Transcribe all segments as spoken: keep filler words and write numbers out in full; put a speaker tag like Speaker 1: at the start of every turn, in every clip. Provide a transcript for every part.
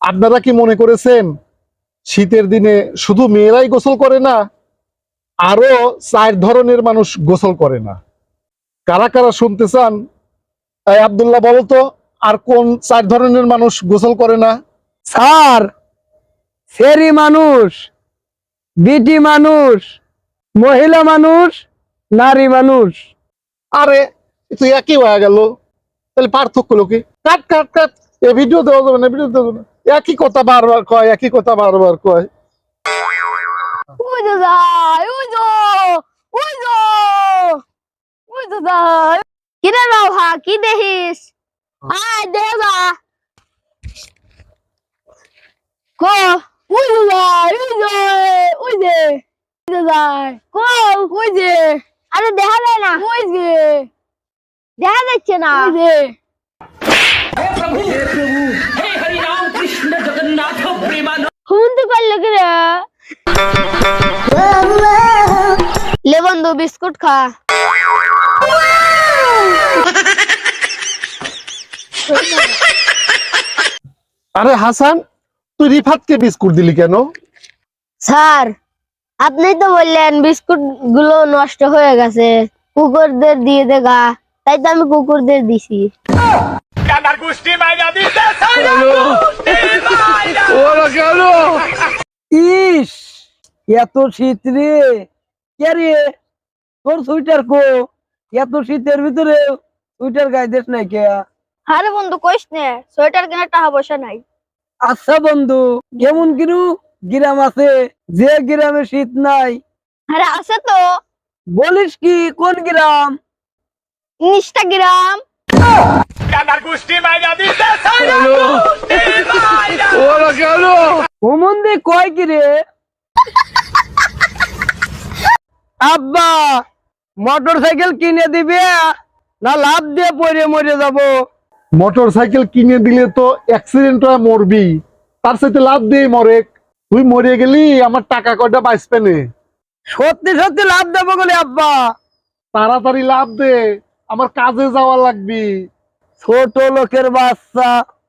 Speaker 1: আপনারা কি মনে করেছেন শীতের দিনে শুধু মেয়েরাই গোসল করে না, আরো চার ধরনের মানুষ গোসল করে না? কারা কারা শুনতে চান? এই আব্দুল্লাহ বলো তো, আর কোন চার ধরনের মানুষ গোসল করে না?
Speaker 2: স্যার, সেরি মানুষ, বিটি মানুষ, মহিলা মানুষ, নারী মানুষ।
Speaker 1: আরে তুই একই হয়ে গেল, তাহলে পার্থক্য লোকে কাট কাট কাট। এ ভিডিও দেওয়া যাবে না, ভিডিও দেওয়া যাবে না। একই কথা বারবার কয়, একই কথা বারবার কয়।
Speaker 3: ওই তো যাই, ওই তো, ওই তো, ওই তো যাই। কিরে রওহা, কি দেখিস? আয় দেখে যা। কো, ওই তো যাই, ওই যে, ওই যে, ওই তো যাই। কো, ওই যে। আরে দেখা যায় না। ওই যে। দেখা যাচ্ছে না। ওই যে। হুমন্তি করলে কি রে? ले बंधु बिस्कुट खा।
Speaker 1: আরে হাসান, তুই রিফাতকে বিস্কুট দিলি কেন?
Speaker 3: স্যার, আপনি তো বললেন বিস্কুট গুলো নষ্ট হয়ে গেছে, কুকুরদের দিয়ে দেগা, তাই তো আমি কুকুরদের দিছি।
Speaker 2: ইস, এত শীত রে। কে রে, তোর সুইটার কো? এত শীতের ভিতরে সুইটার গায়ে দেশ নাই কে?
Speaker 3: আরে বন্ধু কইস নে, সোয়েটার কেনার টাকা পয়সা নাই।
Speaker 2: আচ্ছা বন্ধু, কেমন কিরু গ্রাম আছে যে গ্রামে শীত নাই?
Speaker 3: আরে আছে তো,
Speaker 2: বলিস কি, কোন গ্রাম?
Speaker 3: ইনস্টাগ্রাম।
Speaker 2: ওমন্দে কয় কি রে? আব্বা, মোটর সাইকেল কিনে দিবে না লাভ দিয়ে পড়ে মরে যাব?
Speaker 1: মোটর সাইকেল কিনে দিলে তো অ্যাক্সিডেন্ট হয়ে মরবি, তার সাথে লাভ দিয়ে মরে। তুই মরে গেলি আমার টাকা কয়টা বাঁচবে না।
Speaker 2: সত্যি সত্যি লাভ দেবো বলে আব্বা।
Speaker 1: তাড়াতাড়ি লাভ দে, আমার কাজে যাওয়া লাগবি।
Speaker 2: ছোট লোকের বাচ্চা।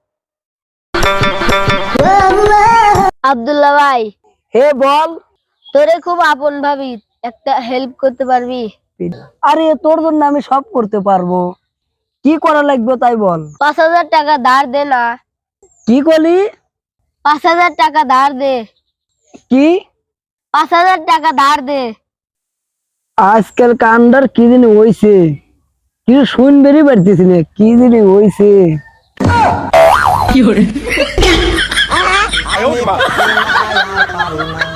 Speaker 3: আব্দুল্লাহ ভাই,
Speaker 2: হে বল।
Speaker 3: তোরে খুব আপন ভাবি, একটা হেল্প করতে পারবি?
Speaker 2: আরে তোর জন্য আমি সব করতে পারবো, কি করা লাগবে তাই বল।
Speaker 3: পাঁচ হাজার টাকা ধার দে না।
Speaker 2: কি করলি?
Speaker 3: পাঁচ হাজার টাকা ধার দে।
Speaker 2: কি?
Speaker 3: পাঁচ হাজার টাকা ধার দে।
Speaker 2: আজকাল কান্ডার কি দিন হইছে, কিছু শুনবেরই পারতেছি না, কি দিন হইছে। কি